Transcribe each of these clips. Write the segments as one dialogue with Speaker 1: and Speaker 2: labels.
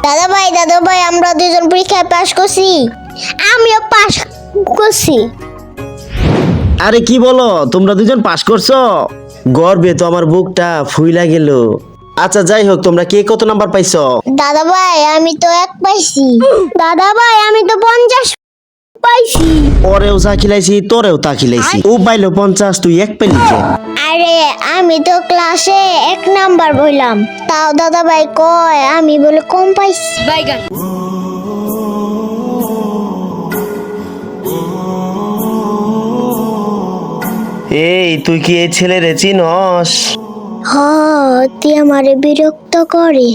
Speaker 1: দাদা ভাই আমরা দুজন পরীক্ষায় পাশ করছি। আমিও পাশ করছি।
Speaker 2: আরে কি বলো, তোমরা দুজন পাস করছো? গর্বে তো আমার বুকটা ফুইলা গেল। আচ্ছা যাই হোক, তোমরা কে কত নাম্বার পাইছো?
Speaker 1: দাদা ভাই আমি তো 1 পাইছি। দাদা ভাই আমি তো 50 পাইছি।
Speaker 2: ওরেও চা খিলাইছি, তোরেও তা খিলাইছি। ও পাইলো 50, তুই 1 পেলি কে?
Speaker 1: আরে আমি তো ক্লাসে 1 নাম্বার বললাম, তাও দাদা ভাই কয় আমি বলে কম পাইছি।
Speaker 3: বাইগান
Speaker 2: এই তুই কি এই ছেলেরে চিনস?
Speaker 1: হ, তুই আমারে বিরক্ত করে।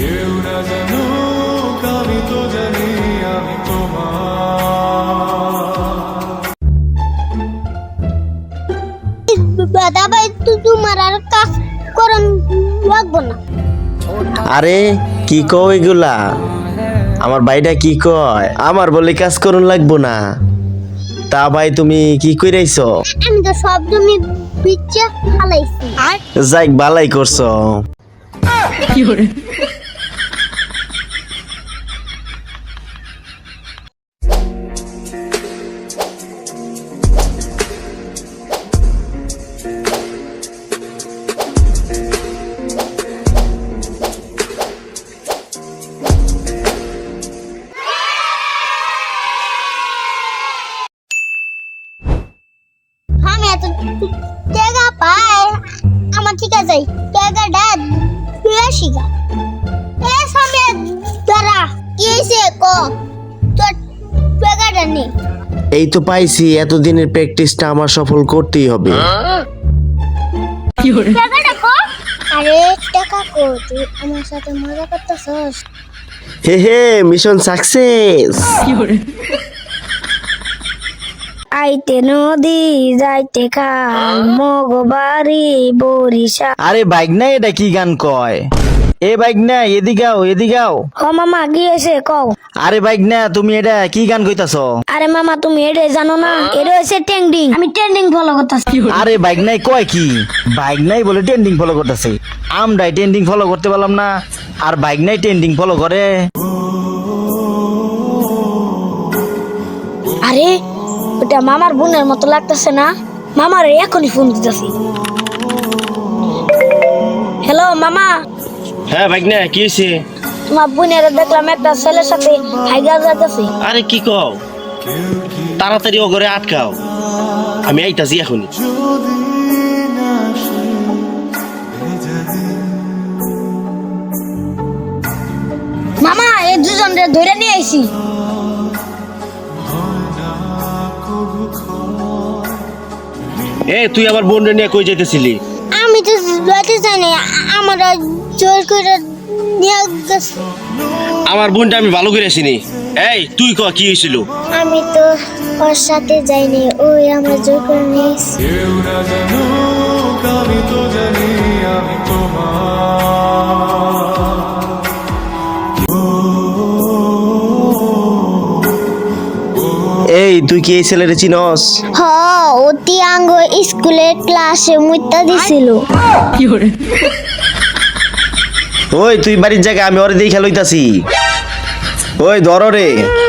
Speaker 1: দাদা ভাই তোমার আর কাজ করন লাগবো না।
Speaker 2: আরে কি কও এগুলা? আমার ভাইটা কি কয়? আমার বলে কাজ করুন লাগবো না। তা ভাই তুমি কি কইরাইছো?
Speaker 1: আমি তো সব জমি বিচ্চা ফালাইছি।
Speaker 2: যাইক বালাই করছো।
Speaker 1: আমি এত টাকা পাই, আমার ঠিক আছে টাকাটা তুই আসিগা। এ সামনে দাঁড়া, কি হয়েছে ক তোর টাকাটা নে।
Speaker 2: এই তো পাইছি, এতদিনের প্র্যাকটিসটা আমার সফল করতেই হবে।
Speaker 1: টাকাটা ক। আরে টাকা কো, তুই আমার সাথে মজা করতেছস?
Speaker 2: হে হে, মিশন সাকসেস।
Speaker 1: আইতে নদী যাইতে খাল মগবাড়ি বরিশাল।
Speaker 2: আরে বাইক না, এটা কি গান কয়? এ বাইক না, এদিকাও এদিকাও।
Speaker 1: ও মামা গিয়েছে কও।
Speaker 2: আরে বাইক না, তুমি এটা কি গান কইতাছ?
Speaker 1: আরে মামা তুমি এটা জানো না? এটা হচ্ছে ট্রেন্ডিং, আমি ট্রেন্ডিং ফলো করতেছি।
Speaker 2: আরে বাইক নাই কয় কি? বাইক নাই বলে ট্রেন্ডিং ফলো করতেছে। আমরাই ট্রেন্ডিং ফলো করতে পারলাম না, আর বাইক নাই ট্রেন্ডিং ফলো করে।
Speaker 1: আরে ওটা মামার বোনের মতো লাগতেছে না? মামার এখনই ফোন দিতেছি। হ্যালো মামা,
Speaker 2: হ্যাঁ বাইক না, কি হয়েছে?
Speaker 1: তোমার বোনের দেখলাম একটা ছেলের সাথে হাইগা যাইতেছে।
Speaker 2: আরে কি কও? তাড়াতাড়ি ও ঘরে আটকাও, আমি আইতাছি এখনই।
Speaker 1: মামা এই দুজনরে ধরে নিয়ে আইছি।
Speaker 2: এ তুই আবার বোন নিয়ে কই যাইতেছিলি?
Speaker 1: আমি তো যাইতে জানি, আমরা জোর করে নিয়ে গেছে।
Speaker 2: আমার বোনটা আমি ভালো করে আসিনি। এই তুই ক কি হয়েছিল?
Speaker 1: আমি তো ওর সাথে যাইনি, ওই আমরা জোর করে নিয়ে এসেছি। এই তুই কি এই ছেলেরে চিনস? হ, অতি আঙ্গ স্কুলের ক্লাসে মুইতা দিছিল।
Speaker 2: ওই তুই বাড়ির জায়গায়, আমি ওরে দেখে লইতাছি। ওই ধর রে।